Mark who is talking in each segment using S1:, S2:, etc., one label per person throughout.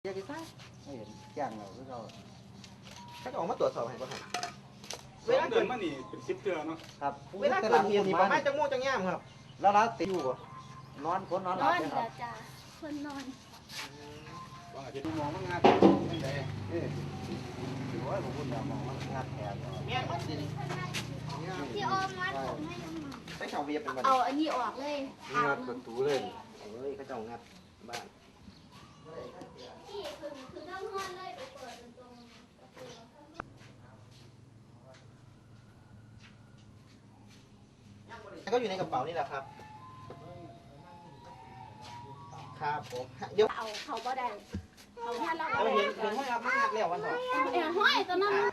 S1: แยกกันไม่เห็นแจ้งเราคือเรา
S2: เขาจะออกมาตรวจสอบให้บ่ครับ
S3: เวลาเดินมานี่เป็น10เทื่อเนาะ
S1: ครับ
S2: เวลาเกิดเหตุนี่ประมาณจังโมงจังย่ามครับ
S1: แล้วเราติดอยู่บ่นอนคนนอนห
S4: น
S1: ลับ
S4: อน
S1: เลยค
S4: แล้
S1: รับ
S4: วจ้าคนนอน
S3: ว่าอาจจะมองว่างานจังได๋
S1: ถือว่าผมพูดมองว่างัดแผล
S2: แม่นบ่สิ
S4: ที่ออมมัดผมให้น้ำมัน
S2: ใช้ช่องเวียบเป็นบ่
S4: เอาอันนี้ออกเลย
S1: งัดประตูเลยเฮ้ยเขาจะงัดบ้าน
S4: ที่คือต้องนอนเลยไปเปิดตรง
S2: ก็อยู่ในกระเป๋านี่แหละครับ ครับผมเดี๋ยว
S4: เอาเขาบ่ได้เขาแค่เรา
S2: เราเห็นห้อยรับมากแล้ววันต่อ
S4: ห้อยตอนนั้น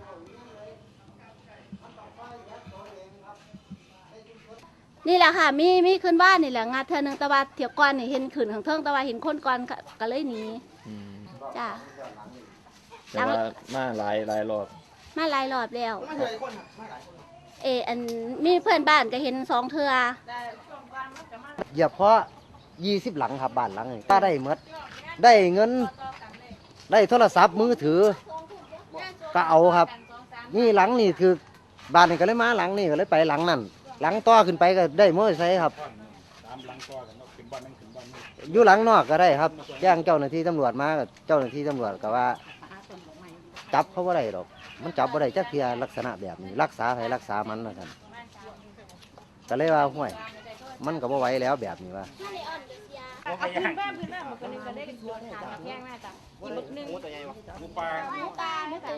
S4: นี่แหละค่ะมีขึ้นบ้านนี่แหละงานเธอหนึ่งตะวันเถียวก่อนนี่เห็นขืนของเทิงตะวันเห็นคนก่อนก็เลยหนีจ้า
S5: แต่ว่ามาหลายรอบ
S4: มาหลายรอบแล้ว
S2: มาเจอไอ้คนครับมาหลายคน
S4: อันมีเพื่อนบ้านก็เห็น2 เทื่อ
S1: เหยียบเพราะ20 หลังครับบ้านหลังนี้ถ้าได้หมดได้เงินได้โทรศัพท์มือถือก็เอาครับนี่หลังนี่คือบ้านนี่ก็เลยมาหลังนี่ก็เลยไปหลังนั่นหลังต่อขึ้นไปก็ได้มอเตอร์ไซค์ครับ
S3: ตามหลังต่อกันเนาะขึ้นบ้านนั่งขึ้นบ้านนี่
S1: อยู่หลังนอกก็ได้ครับแจ้งเจ้าหน้าที่ตำรวจมาก็เจ้าหน้าที่ตำรวจก็ว่าจับเขาบ่ได้หรอกมันจับบ่ได้จักเทียลักษณะแบบนี้รักษาให้รักษามันนะท่านก็เลยว่าห้วยมันก็บ่ไหวแล้วแบบนี้ว่า
S4: ถ้าในอ่อนเสีย
S3: บ่ไปย่าง
S6: พื้นบ้านมันก็เลยก็ได้โดนหาแบบแย่งน่าจะ
S2: หมูตัวใหญ่บ่
S3: หมูปลา
S4: ตาไม่